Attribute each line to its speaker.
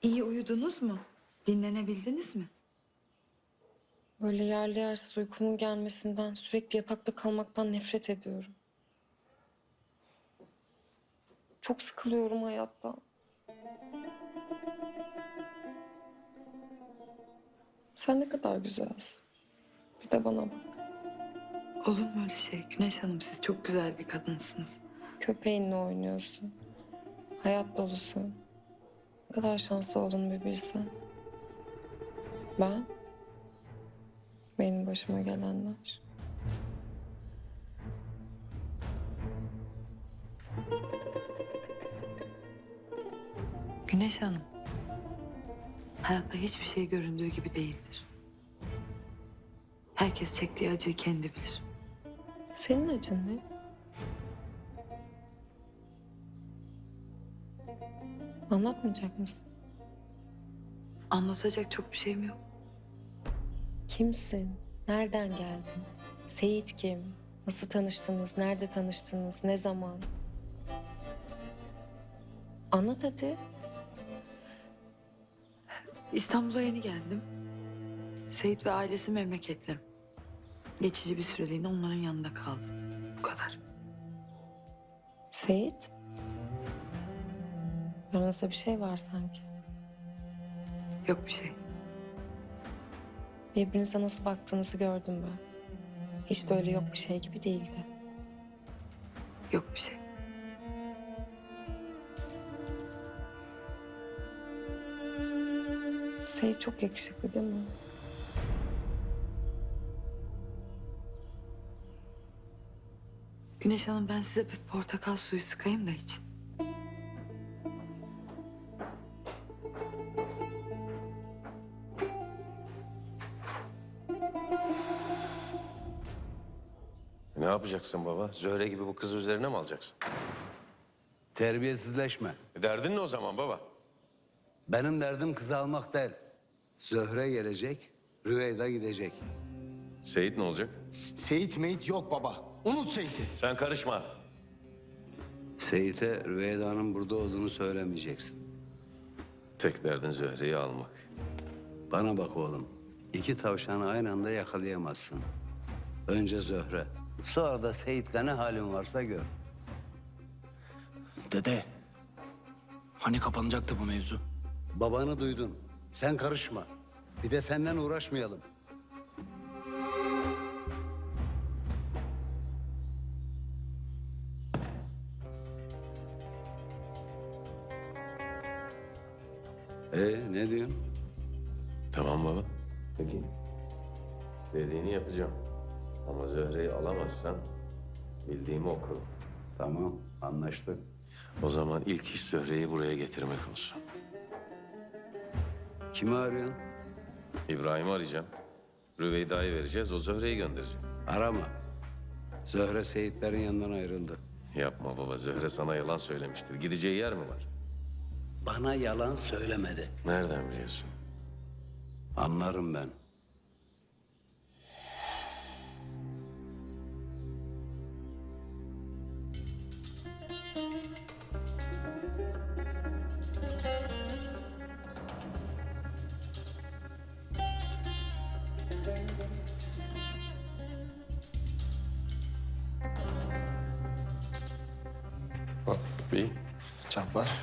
Speaker 1: İyi uyudunuz mu? Dinlenebildiniz mi?
Speaker 2: Böyle yerli yersiz uykumun gelmesinden, sürekli yatakta kalmaktan nefret ediyorum. Çok sıkılıyorum hayattan. Sen ne kadar güzelsin. Bir de bana bak.
Speaker 1: Olur mu öyle şey? Güneş Hanım, siz çok güzel bir kadınsınız.
Speaker 2: Köpeğinle oynuyorsun. Hayat dolusun. Ne kadar şanslı olduğunu bir bilsen. Ben, benim başıma gelenler.
Speaker 1: Güneş Hanım, hayatta hiçbir şey göründüğü gibi değildir. Herkes çektiği acıyı kendi bilir.
Speaker 2: Senin acın ne? Anlatmayacak mısın?
Speaker 1: Anlatacak çok bir şeyim yok.
Speaker 2: Kimsin? Nereden geldin? Seyit kim? Nasıl tanıştınız? Nerede tanıştınız? Ne zaman? Anlat hadi.
Speaker 1: İstanbul'a yeni geldim. Seyit ve ailesi memleketli. Geçici bir süreliğine onların yanında kaldım. Bu kadar.
Speaker 2: Seyit? Aranızda bir şey var sanki.
Speaker 1: Yok bir şey.
Speaker 2: Birbirinize nasıl baktığınızı gördüm ben. Hiç de öyle yok bir şey gibi değildi.
Speaker 1: Yok bir şey.
Speaker 2: Seyit çok yakışıklı değil mi?
Speaker 1: Güneş Hanım, ben size bir portakal suyu sıkayım da için.
Speaker 3: Ne yapacaksın baba? Zöhre gibi bu kızı üzerine mi alacaksın?
Speaker 4: Terbiyesizleşme.
Speaker 3: Derdin ne o zaman baba?
Speaker 4: Benim derdim kızı almak değil. Zöhre gelecek, Rüveyda gidecek.
Speaker 3: Seyit ne olacak?
Speaker 5: Seyit meyit yok baba. Unut Seyit'i.
Speaker 3: Sen karışma.
Speaker 4: Seyit'e Rüveyda'nın burada olduğunu söylemeyeceksin.
Speaker 3: Tek derdin Zöhre'yi almak.
Speaker 4: Bana bak oğlum, iki tavşanı aynı anda yakalayamazsın. Önce Zöhre, sonra da Seyit'le ne halin varsa gör.
Speaker 5: Dede. Hani kapanacaktı bu mevzu?
Speaker 4: Babanı duydun, sen karışma. Bir de senden uğraşmayalım. Ne diyorsun?
Speaker 3: Tamam baba. Peki. Dediğini yapacağım. Ama Zöhre'yi alamazsan bildiğimi oku.
Speaker 4: Tamam, anlaştık.
Speaker 3: O zaman ilk iş Zöhre'yi buraya getirmek olsun.
Speaker 4: Kimi arıyorsun?
Speaker 3: İbrahim'i arayacağım. Rüveyda'yı vereceğiz, o Zöhre'yi gönderecek.
Speaker 4: Arama. Zöhre Seyitlerin yanından ayrıldı.
Speaker 3: Yapma baba, Zöhre sana yalan söylemiştir. Gideceği yer mi var?
Speaker 4: Bana yalan söylemedi.
Speaker 3: Nereden biliyorsun?
Speaker 4: Anlarım ben.
Speaker 5: Bak bir çap var.